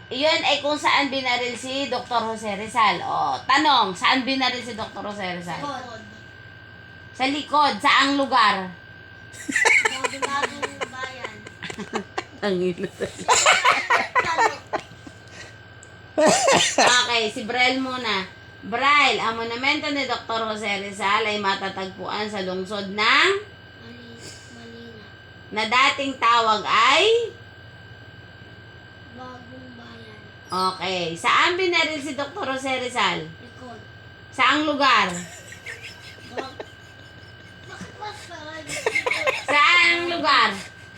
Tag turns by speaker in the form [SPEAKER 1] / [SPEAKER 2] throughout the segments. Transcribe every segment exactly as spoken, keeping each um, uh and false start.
[SPEAKER 1] Iyon ay kung saan binaril si Doctor Jose Rizal. O, tanong, saan binaril si Doctor Jose Rizal?
[SPEAKER 2] Likod.
[SPEAKER 1] Sa likod, saang lugar?
[SPEAKER 2] Bagong bayan.
[SPEAKER 1] Ang ino.
[SPEAKER 2] Tanong.
[SPEAKER 1] Okay, si Braille muna. Braille, ang monumento ni Doctor Jose Rizal ay matatagpuan sa lungsod ng
[SPEAKER 2] Mali, Malina.
[SPEAKER 1] na dating tawag ay
[SPEAKER 2] Bagong bayan.
[SPEAKER 1] okay. Saan binaril si Doctor Jose Rizal?
[SPEAKER 2] Likod.
[SPEAKER 1] Saang lugar?
[SPEAKER 2] Bag... Bakit mas parang
[SPEAKER 1] Saang lugar?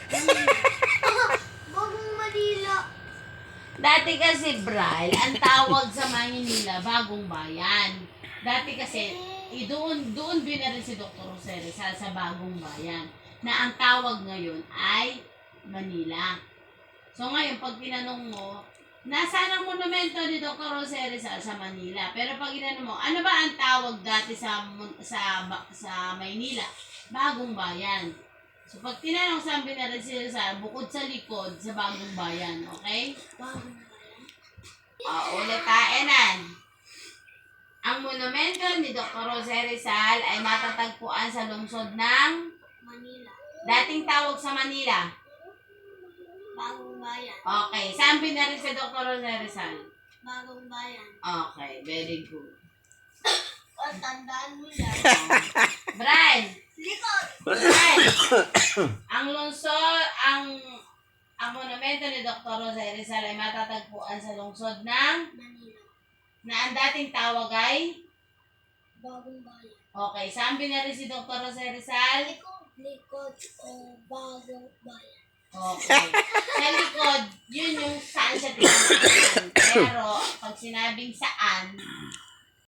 [SPEAKER 2] Bagong Manila.
[SPEAKER 1] Dati kasi, Braille, ang tawag sa Maynila, Bagong Bayan. Dati kasi, eh, doon, doon binaril si Doctor Jose Rizal sa Bagong Bayan. Na ang tawag ngayon ay Manila. So ngayon, pag tinanong mo, nasaan ang monumento ni Doctor Jose Rizal sa Manila? Pero pag tinanong mo, ano ba ang tawag dati sa mon- sa ba- sa Maynila? Bagong Bayan. So pag tinanong saan binaril si Rizal, bukod sa likod, sa Bagong Bayan, okay?
[SPEAKER 2] Bagong bayan.
[SPEAKER 1] O, ulit taenan. Ang monumento ni Doctor Jose Rizal ay matatagpuan sa lungsod ng
[SPEAKER 2] Manila.
[SPEAKER 1] dating tawag sa Manila.
[SPEAKER 2] Bagong bayan.
[SPEAKER 1] Okay, saan binaril si Doctor Jose Rizal?
[SPEAKER 2] Bagong bayan.
[SPEAKER 1] Okay, very good.
[SPEAKER 2] O, tandaan mo yan.
[SPEAKER 1] Brian,
[SPEAKER 2] Likod.
[SPEAKER 1] Brian, ang lungsod, ang ang monumento ni Doctor Jose Rizal ay matatagpuan sa lungsod ng
[SPEAKER 2] Manila.
[SPEAKER 1] na ang dating tawag ay
[SPEAKER 2] Bagong bayan.
[SPEAKER 1] okay, saan binaril si Doctor Jose Rizal?
[SPEAKER 2] Likod. Likod o bagong bayan.
[SPEAKER 1] Okay. Sa likod, yun yung saan siya tinatawag. Pero, pag sinabing saan,